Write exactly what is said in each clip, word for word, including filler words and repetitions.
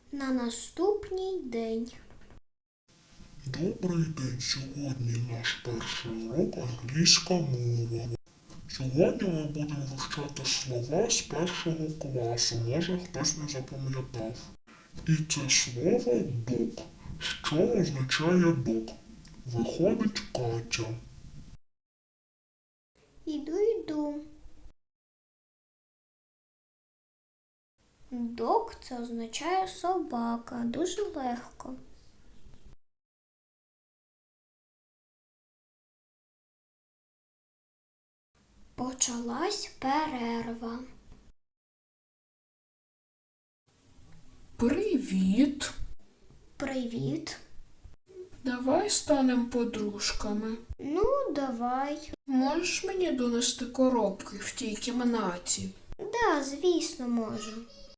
На наступний день. Добрий день. Сьогодні наш перший урок англійська мова. Сьогодні ми будемо вивчати слова з першого класу. Може хтось не запам'ятав. І це слово «док». Що означає «док»? Виходить Катя. Іду, йду. Дог – це означає собака. Дуже легко. Почалась перерва. Привіт. Привіт. Давай станемо подружками. Ну, давай. Можеш мені донести коробки в тій кімнаті? Да, звісно, можу.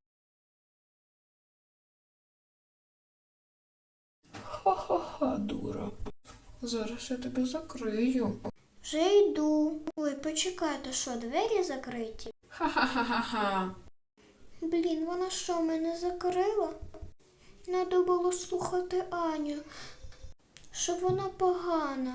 Ха-ха-ха, дура. Зараз я тебе закрию. Вже йду. Ой, почекайте, що, двері закриті? Ха-ха-ха-ха-ха. Блін, вона що, мене закрила? Надо було слухати Аню, що вона погана.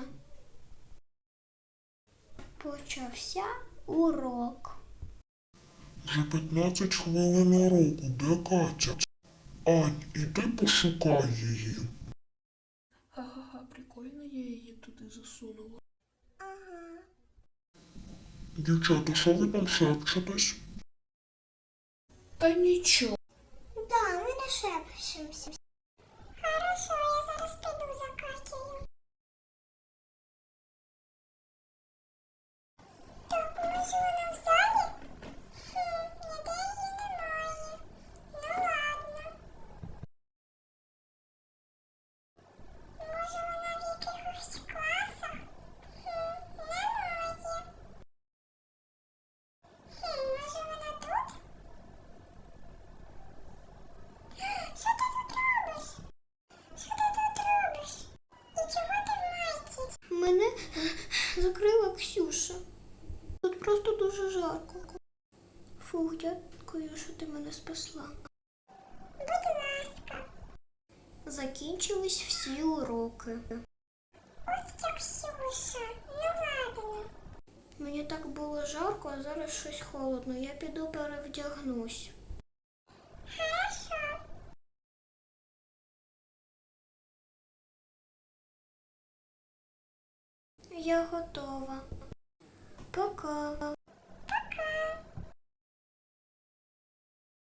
Почався урок. Вже п'ятнадцять хвилин уроку. Де Катя? Ань, іди пошукай її. Ха-ха-ха, прикольно я її туди засунула. Ага. Дівчата, що ви там шепчетесь? Та нічого. Да, ми не шепчемося. Хорошо, я зараз піду за Катєю. Так, може вона в залі? Хм, ніде її немає. Ну ладно. Може вона в якихось класах? Хм, немає. Хм, може вона тут? Що ти тут робиш? Що ти тут робиш? І чого ти в майці? Мене закрила Ксюша. Тут просто дуже жарко. Фух, дякую, що ти мене спасла. Будь ласка. Закінчились всі уроки. Ось як Ксюша, ну ладно. Мені так було жарко, а зараз щось холодно. Я піду перевдягнусь. Хорошо. Я готова. Пока.